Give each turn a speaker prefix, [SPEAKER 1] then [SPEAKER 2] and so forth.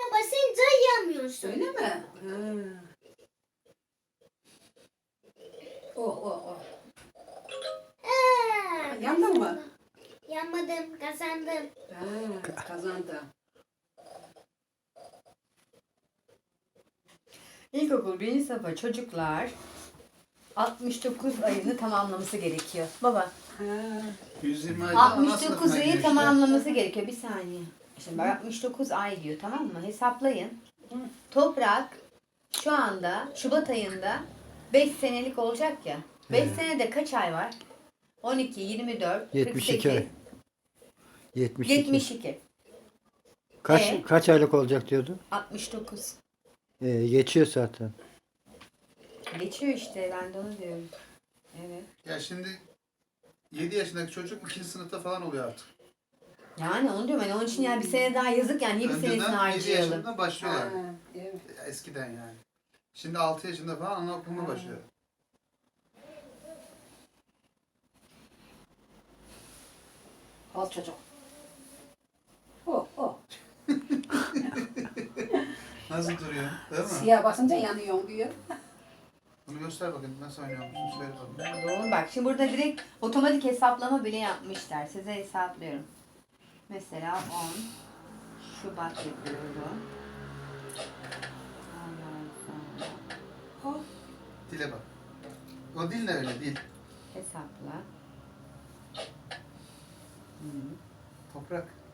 [SPEAKER 1] basınca yanmıyorsun.
[SPEAKER 2] Öyle mi? Ha. O. Yandın mı?
[SPEAKER 1] Yanmadım, kazandım.
[SPEAKER 2] Ha, kazandı.
[SPEAKER 3] İlkokul 1. sınıfa çocuklar 69 ayını tamamlaması gerekiyor. Baba,
[SPEAKER 2] Ha.
[SPEAKER 4] 120 ayda ana
[SPEAKER 3] 69
[SPEAKER 4] sınıfına
[SPEAKER 3] ayı
[SPEAKER 4] giriyor işte.
[SPEAKER 3] tamamlaması gerekiyor. Bir saniye. Şimdi bak 69 ay diyor, tamam mı? Hesaplayın. Toprak şu anda Şubat ayında 5 senelik olacak ya. 5 senede kaç ay var? 12, 24,
[SPEAKER 5] 72 ay. 72.
[SPEAKER 3] 72.
[SPEAKER 5] Kaç aylık olacak diyordu?
[SPEAKER 3] 69.
[SPEAKER 5] Geçiyor zaten.
[SPEAKER 3] Geçiyor işte, ben de onu diyorum. Evet.
[SPEAKER 4] Ya şimdi 7 yaşındaki çocuk 2. sınıfta falan oluyor artık.
[SPEAKER 3] Yani onu diyorum, yani onun için yani bir sene daha yazık, yani niye bir senesini
[SPEAKER 4] Önceden 7
[SPEAKER 3] harcayalım?
[SPEAKER 4] yaşında başlıyorlar.
[SPEAKER 2] Ha, evet.
[SPEAKER 4] Eskiden yani. Şimdi 6 yaşında falan anaokuluna başlıyor.
[SPEAKER 2] Al çocuk. O.
[SPEAKER 4] Nasıl duruyor? Değil mi?
[SPEAKER 2] Siyah basınca yanıyor diyor.
[SPEAKER 4] Bunu göster bakayım nasıl oynuyormuşsun. Söyle bakayım.
[SPEAKER 3] Doğru, bak şimdi burada direkt otomatik hesaplama bile yapmışlar. Size hesaplıyorum. Mesela 10 Şubat yapıyorum. Ondan sonra
[SPEAKER 4] Dile bak. O dil ne öyle dil?
[SPEAKER 3] hesapla.
[SPEAKER 4] Toprak.